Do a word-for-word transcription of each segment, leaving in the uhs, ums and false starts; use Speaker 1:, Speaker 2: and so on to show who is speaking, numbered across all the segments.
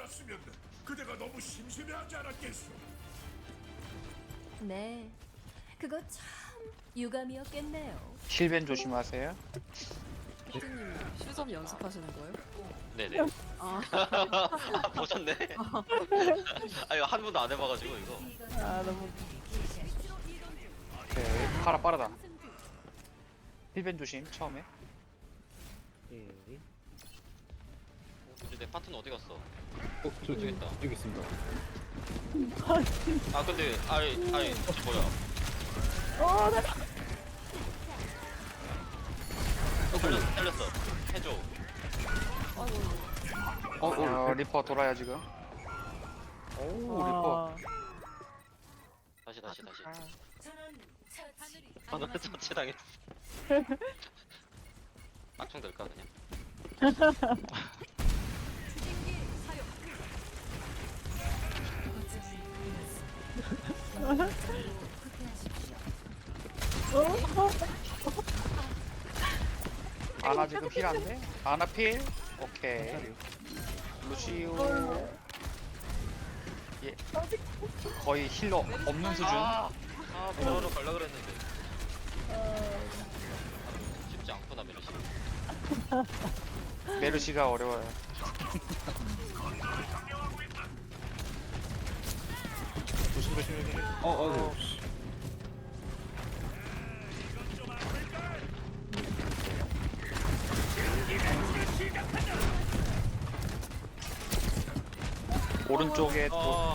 Speaker 1: 않았으면 그대가 너무 심심해하지 않았겠소.
Speaker 2: 네, 그거 참 유감이었겠네요.
Speaker 3: 힐벤 조심하세요.
Speaker 4: 피디님 슈점 연습하시는 거예요?
Speaker 5: 네네.
Speaker 4: 아,
Speaker 5: 아, 보셨네? 아, 이거 한 번도 안 해봐가지고, 이거.
Speaker 4: 아 너무
Speaker 3: 오케이. 파라 빠르다. 힐벤 조심, 처음에.
Speaker 6: 예.
Speaker 5: 근데 내 파트는 어디 갔어?
Speaker 6: 어, 저
Speaker 5: 여기 있다.
Speaker 6: 여기 있습니다.
Speaker 5: 아, 근데, 아이, 아이, 저 뭐야.
Speaker 4: 어, 나
Speaker 5: 살렸어, 살렸어. 해줘.
Speaker 6: 어, 어,
Speaker 3: 어, 리퍼 돌아야 지금. 오, 리퍼.
Speaker 5: 다시, 다시, 다시.
Speaker 4: 아,
Speaker 5: 하늘 처치당했어. 막총 될까, 그냥?
Speaker 3: 아나 지금 힐 안 돼? 아나 필? 오케이. 루시오. 예. 거의 힐러 없는 수준.
Speaker 5: 아, 아, 보라로 갈라 그랬는데. 쉽지 않구나, 메르시.
Speaker 3: 메르시가 어려워요.
Speaker 6: 조심 조심 조심. 어, 어, 네.
Speaker 3: 오른쪽에 또
Speaker 5: 어,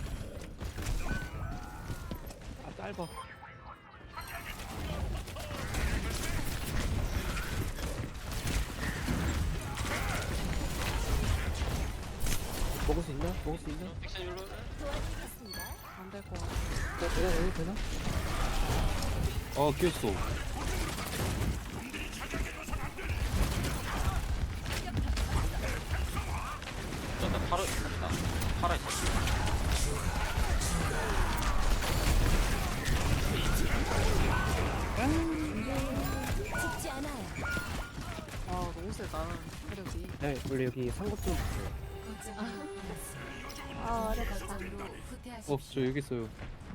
Speaker 6: 아, 짧아. 먹을 수 있나? 먹을 수 있나?
Speaker 5: 액션 일로.
Speaker 4: 안될 것 같아.
Speaker 6: 어, 되나? 여기 되나? 어, 끼었어.
Speaker 5: 나 팔아, 나 팔아 있어.
Speaker 2: 죽지 않아요.
Speaker 4: 아 너무 세다 체력이.
Speaker 6: 네, 원래 여기 상급 좀 있어요.
Speaker 2: 아, 어렵다.
Speaker 6: 어, 저 여기 있어요.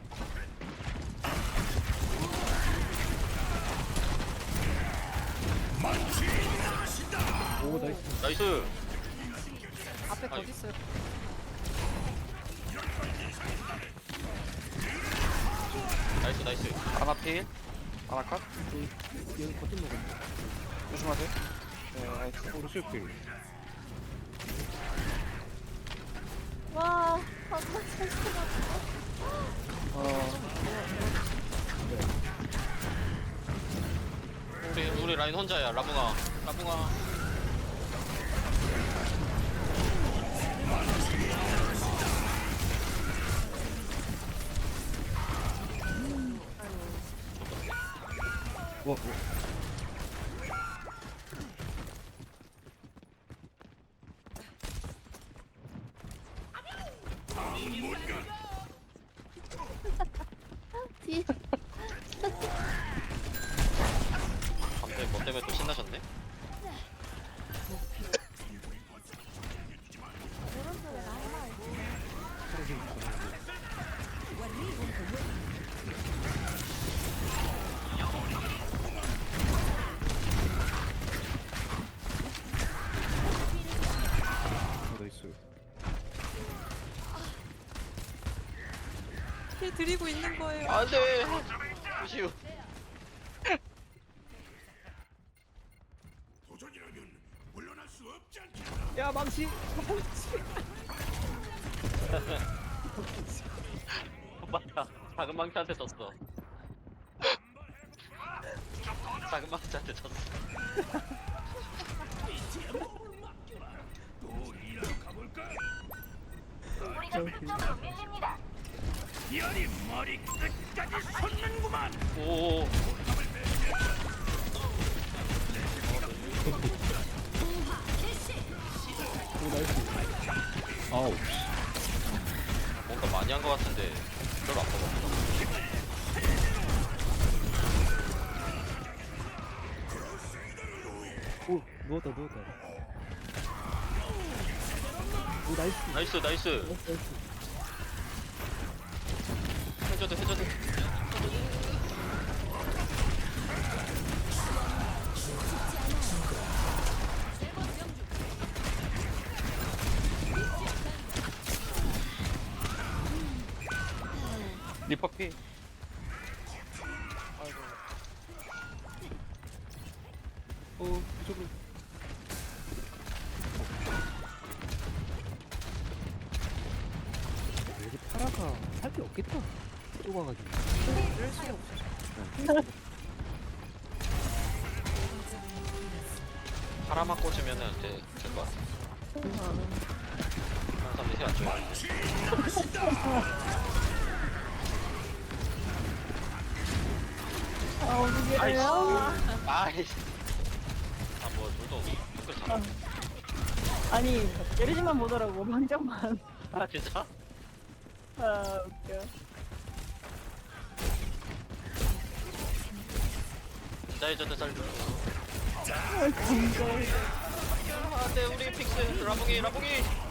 Speaker 6: 오, 나이스.
Speaker 5: 나이스!
Speaker 4: 앞에
Speaker 5: 아이.
Speaker 4: 거기 있어요.
Speaker 5: 나이스, 나이스.
Speaker 3: 아나 필. 아나 컷.
Speaker 6: 여기, 여기 버튼 먹었네.
Speaker 3: 조심하세요. 네, 나이스.
Speaker 6: 오른 실필.
Speaker 2: 와, 정말 잘
Speaker 3: 어,
Speaker 5: 우리, 우리 라인 혼자야, 라붕아. 라붕아.
Speaker 6: 와, 와.
Speaker 2: 뒤.
Speaker 5: 갑자기 뭐 때문에 또 신나셨네?
Speaker 6: 어, 나이스.
Speaker 4: 힐 드리고 있는 거예요.
Speaker 5: 안 돼! 루시우.
Speaker 1: 도전이라면 물러날 수 없지 않겠나.
Speaker 6: 야, 망치!
Speaker 5: 맞다. 작은 망치한테 졌어. 작은 망치한테 졌어.
Speaker 1: 또 일하러 가볼까? 열이 머리 끝까지 솟는구만.
Speaker 5: 오.
Speaker 6: 오, 나이스. 아우.
Speaker 5: 뭔가 많이 한 것 같은데 별로 안 먹었어.
Speaker 6: 오, 누웠다, 누웠다. 오, 오 나이스.
Speaker 5: 나이스 나이스.
Speaker 6: 나이스 나이스.
Speaker 5: 해줘도 해줘도.
Speaker 3: 리퍼 피.
Speaker 6: 어 이쪽으로. 여기 파라가 살 게 없겠다. 좁아가지고.
Speaker 4: 이럴 수가 없어.
Speaker 5: 하나만 꽂으면은 이제 될 거야. 다른 사람들이 힐안 줘요.
Speaker 7: 아, 어떻게 해요?
Speaker 5: 아이씨. 아뭐 둘도 댓글 잘.
Speaker 7: 아니, 예르지만 보더라고, 방정만.
Speaker 5: 아 진짜?
Speaker 7: 아, 웃겨.
Speaker 5: 진짜 해줘도 잘 들어.
Speaker 7: 아, 진짜.
Speaker 5: 안돼 우리 픽스 라봉이 라봉이.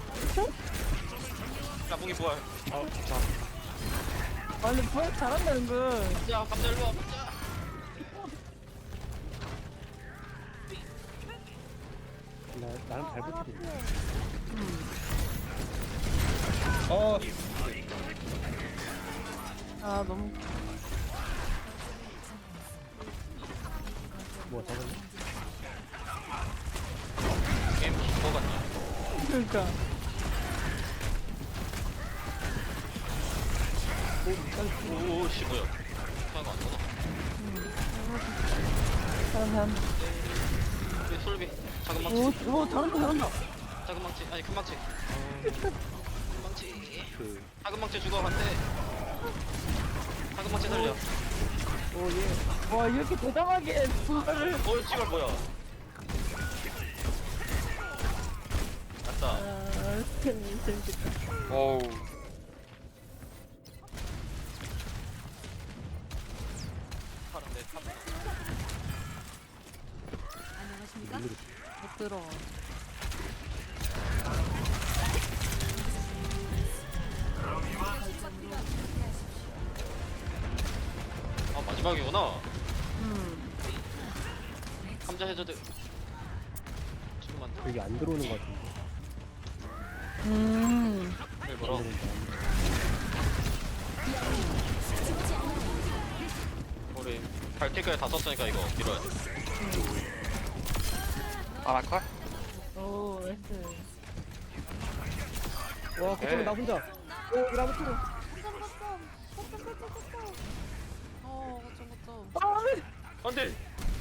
Speaker 5: 라봉이 부활.
Speaker 3: 어 진짜.
Speaker 7: 아, 근데 부활 잘한다, 은근.
Speaker 5: 야 감자 일로 와 감자.
Speaker 6: 나 나름 잘 버티네. 어.
Speaker 7: 아, 너무.
Speaker 6: 뭐 잡았네?
Speaker 5: 게임 긴거 같냐?
Speaker 7: 그러니까.
Speaker 5: 오씨 뭐야? 사가 안 나와.
Speaker 7: 잘한다, 잘한다.
Speaker 5: 우리 솔비 작은 망치.
Speaker 7: 오, 오, 잘한다, 잘한다.
Speaker 5: 작은 망치 아니 큰 망치. 큰 망치.
Speaker 6: 그.
Speaker 5: 작은 망치 죽어 한대. 작은 망치 살려.
Speaker 7: 오, 예. 와, 이렇게 대담하게 부활을.
Speaker 5: 어 지금 뭐야? 맞다.
Speaker 7: 아, 재밌- 재밌겠다.
Speaker 3: 어우.
Speaker 5: 파란데 파.
Speaker 2: 안녕하십니까?
Speaker 4: 못 들어.
Speaker 5: 아 마지막이구나.
Speaker 7: 음.
Speaker 5: 감자 해저드. 지금 안 돼.
Speaker 6: 여기 안 들어오는 것 같은데.
Speaker 7: 음.
Speaker 5: 일부러.
Speaker 6: 안 들어온다.
Speaker 5: 우리 발티크에 다 썼으니까 이거 밀어야 돼.
Speaker 3: 아나칼?
Speaker 7: 오, 나이스.
Speaker 6: 와 걱정해 나 혼자. 오 여기 나무 틀어.
Speaker 4: 어, 어쩜 어쩜.
Speaker 7: 아, 네.
Speaker 5: 안돼.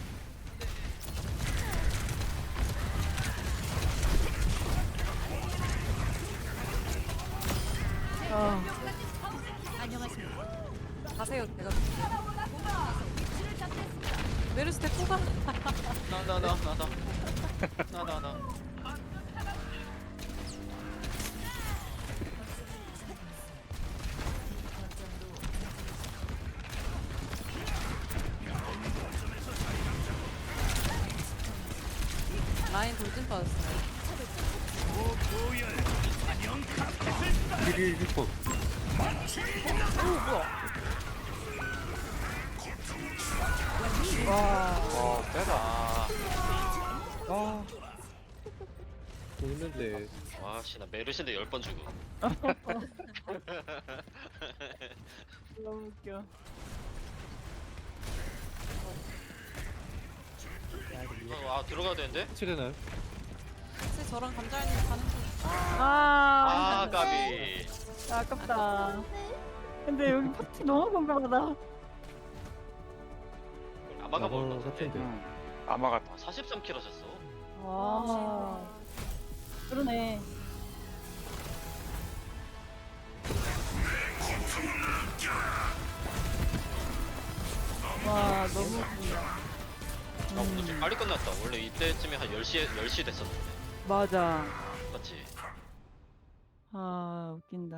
Speaker 7: 아,
Speaker 2: 안녕하십니까?
Speaker 4: 가세요, 내가. 메르스 대포가.
Speaker 5: 나나 나 나 나 나 나.
Speaker 4: 라인 돌진 빠졌어요.
Speaker 3: 일 리퍼.
Speaker 7: 와.
Speaker 3: 와 빼다.
Speaker 5: 아.
Speaker 6: 아. 보이는데.
Speaker 5: 와씨 나 메르신데 열 번 주고.
Speaker 7: 너무 웃겨.
Speaker 6: 야 이거
Speaker 5: 어, 아 들어가야 되는데?
Speaker 6: 해체 되나요?
Speaker 4: 혹시 저랑 감자님 가는 중.
Speaker 7: 아,
Speaker 5: 아 까비.
Speaker 7: 아깝다. 근데 여기 파티 너무 궁금하다.
Speaker 5: 아마가
Speaker 6: 나도
Speaker 5: 먹을 것 같은데.
Speaker 6: 같은데.
Speaker 3: 음. 아마가
Speaker 5: 아, 사십삼 킬 하셨어.
Speaker 7: 와, 그러네. 와, 너무 웃긴다.
Speaker 5: 아 오늘 좀 빨리 끝났다. 원래 이때쯤에 한 열 시에 열 시 됐었는데.
Speaker 7: 맞아.
Speaker 5: 맞지?
Speaker 7: 아, 웃긴다.